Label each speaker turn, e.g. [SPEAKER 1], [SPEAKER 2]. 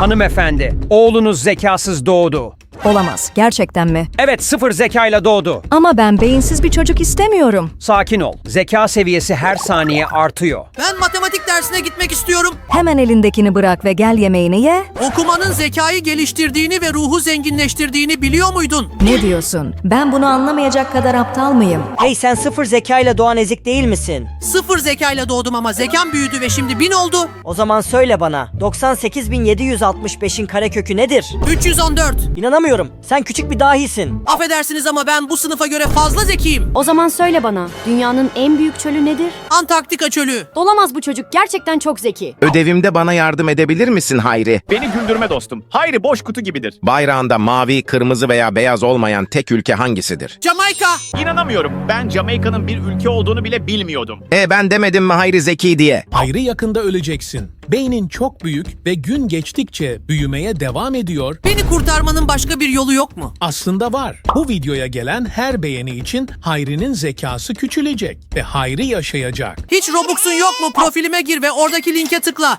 [SPEAKER 1] Hanımefendi, oğlunuz zekasız doğdu.
[SPEAKER 2] Olamaz. Gerçekten mi?
[SPEAKER 1] Evet, 0 zekayla doğdu.
[SPEAKER 2] Ama ben beyinsiz bir çocuk istemiyorum.
[SPEAKER 1] Sakin ol. Zeka seviyesi her saniye artıyor.
[SPEAKER 3] Ben matematik dersine gitmek istiyorum.
[SPEAKER 2] Hemen elindekini bırak ve gel yemeğini ye.
[SPEAKER 3] Okumanın zekayı geliştirdiğini ve ruhu zenginleştirdiğini biliyor muydun?
[SPEAKER 2] Ne diyorsun? Ben bunu anlamayacak kadar aptal mıyım?
[SPEAKER 4] Hey, sen 0 zekayla doğan ezik değil misin?
[SPEAKER 3] 0 zekayla doğdum ama zekam büyüdü ve şimdi 1000 oldu.
[SPEAKER 4] O zaman söyle bana, 98.765'in karekökü nedir?
[SPEAKER 3] 314.
[SPEAKER 4] İnanamıyorum. Sen küçük bir dahisin.
[SPEAKER 3] Affedersiniz ama ben bu sınıfa göre fazla zekiyim.
[SPEAKER 5] O zaman söyle bana, dünyanın en büyük çölü nedir?
[SPEAKER 3] Antarktika çölü.
[SPEAKER 5] Olamaz bu çocuk, gerçekten çok zeki.
[SPEAKER 6] Ödevimde bana yardım edebilir misin Hayri?
[SPEAKER 7] Beni güldürme dostum. Hayri boş kutu gibidir.
[SPEAKER 6] Bayrağında mavi, kırmızı veya beyaz olmayan tek ülke hangisidir?
[SPEAKER 3] Jamaika.
[SPEAKER 7] İnanamıyorum. Ben Jamaika'nın bir ülke olduğunu bile bilmiyordum.
[SPEAKER 6] Ben demedim mi Hayri zeki diye?
[SPEAKER 8] Hayri yakında öleceksin. Beynin çok büyük ve gün geçtikçe büyümeye devam ediyor.
[SPEAKER 3] Beni kurtarmanın başka bir yolu yok mu?
[SPEAKER 8] Aslında var. Bu videoya gelen her beğeni için Hayri'nin zekası küçülecek ve Hayri yaşayacak.
[SPEAKER 3] Hiç Robux'un yok mu? Profilime gir ve oradaki linke tıkla.